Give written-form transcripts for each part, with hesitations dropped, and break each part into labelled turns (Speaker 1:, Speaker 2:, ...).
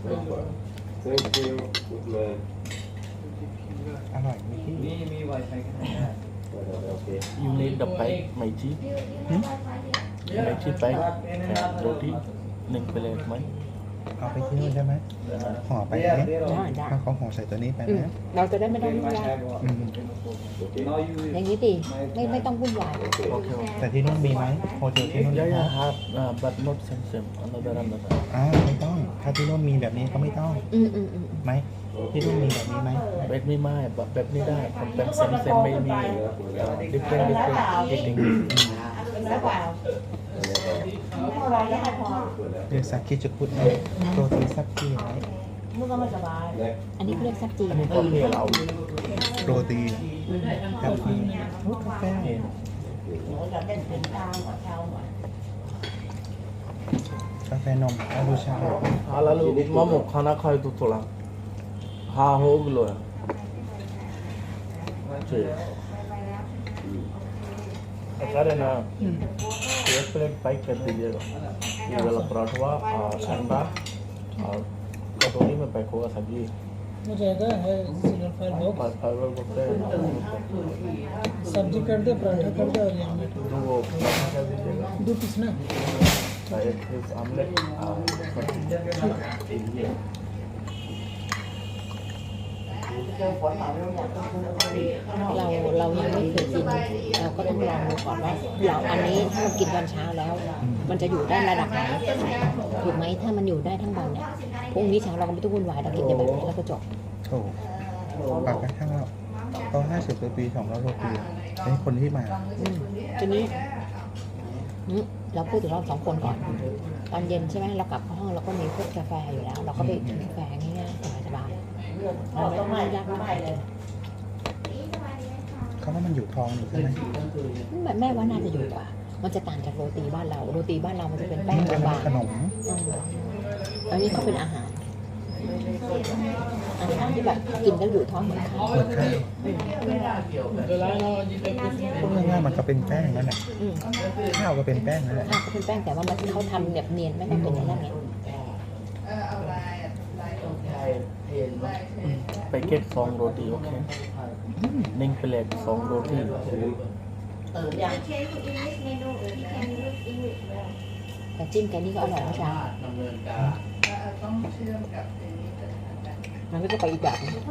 Speaker 1: Thank you good man
Speaker 2: อร่อยไหมพี่
Speaker 3: มีไวไฟกันได้
Speaker 1: โอเค
Speaker 4: You need the bike ไม่จีไม่จีไปโรตี1 plateไหม
Speaker 2: เอาไปที่นู่นใช่ไหมห่อไปไหม
Speaker 5: ได้
Speaker 2: ถ้าเขาห่อใส่ตัวนี้ไปไหม
Speaker 5: เราจะได้ไม่ต้องวุ่นวาย
Speaker 2: อืม
Speaker 5: อย่างนี้ดิไม่ต้องวุ่นวาย
Speaker 4: โอเค
Speaker 2: แต่ที่นู่นมีไหมโฮเทลที่นู่น
Speaker 4: Yeah,
Speaker 2: มี
Speaker 4: yeah,
Speaker 2: ไหม
Speaker 4: have, but not same. Another.
Speaker 2: ไม่ต้อง ถ้าที่นู่นมีแบบนี้ก็ไม่ต้อง
Speaker 5: อืม
Speaker 2: ไหมที่นู่นมีแบบนี้ไหม
Speaker 4: แบบไม่ไม่แบบนี้ได้ผมเป็นเซมไม่มี different eating
Speaker 2: เรียกซักกี้จะพูดไหมโรตีซักกี้ไหม
Speaker 5: อันนี้เขาเรียกซับจีน
Speaker 4: อันนี้ก็เรียกเรา
Speaker 2: โรตีกาแฟกาแฟกาแฟนมอาบูชา
Speaker 4: lalu mamo खाना खाए तो थोड़ा हाँ हो गलो है ठीक अरे ना 1 प्लेट पैक कर दीजिएगा ये वाला पराठा और अंडा और कटोरी में पैक होगा सब्जी
Speaker 6: हो जाएगा है सिंगल फाइल बॉक्स
Speaker 4: फाइबर बोलते हैं
Speaker 6: सब्जी कर दे पराठा कर दे और ये ऑमलेट
Speaker 4: तो वो पराठा कर दीजिएगा
Speaker 6: 2 पीस ना
Speaker 4: एक पीस ऑमलेट और सब्जी
Speaker 5: เรายังไม่เคยกินเราก็ต้องลองดูก่อนว่าเราอันนี้ถ้าเรากินตอนเช้าแล้ว มันจะอยู่ได้ระดับไหนถูกไหมถ้ามันอยู่ได้ทั้งวันเนี่ยพรุ่งนี้เช้าเราก็ไม่ต้องวุ่นวายเรากินแต่แบบนี้แล้วก็จบ
Speaker 2: โอ้ปากกระทั่งเราเขา50 ปี200 โรตีไอ้คนที่มา
Speaker 5: ทีนี้เราพูดถึงเราสองคนก่อนตอนเย็นใช่ไหมเรากลับเข้าห้องเราก็มีพวกกาแฟอยู่แล้ว เราก็ไปกินกาแฟง่ายๆสบายๆเราไม่ยากมากเลย
Speaker 2: เขาว่ามันอยู่ท้องนี่ใช่ไหม
Speaker 5: แม่ว่าน่าจะอยู่กว่า มันจะต่างจากโรตีบ้านเราโรตีบ้านเรามันจะเป็นแป้ง
Speaker 2: มันจะ
Speaker 5: บาง
Speaker 2: ขนม
Speaker 5: ๆอันนี้เขาเป็นอาหารที่แบบกินแล้วอยู่ท้องเหมือนข้าว
Speaker 2: เหมือนข้าวพูดง่ายๆมันก็เป็นแป้งนั่นแหละข้าวก็เป็นแป้งนั่นแหละ
Speaker 5: ข้าวก็เป็นแป้งแต่ว่ามันเขาทำแบบเนียนไม่ต้องเป็นอย่างนั้นไง
Speaker 4: packet 2 roti okay 1 plate 2 roti
Speaker 5: แต่จิ้มกันนี่ก็อร่อยนะจ๊ะมันก็จะไปอีกแบบนึง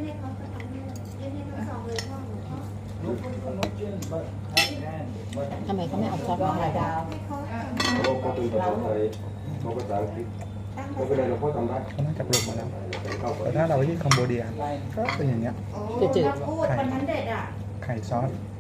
Speaker 5: ทำไมเขาไม่เอาซอสมาให้เรา
Speaker 1: เขาเป็นภาษาไทยเขาภาษาอังกฤษไม่เป็นไรเราพ่อทำได้
Speaker 2: เขาน่าจะปรุงมาแล้วแต่ถ้าเราไปที่คัมโบเดียก็เป็นอย่างเงี้ย
Speaker 5: จืด
Speaker 2: ไข่ซอส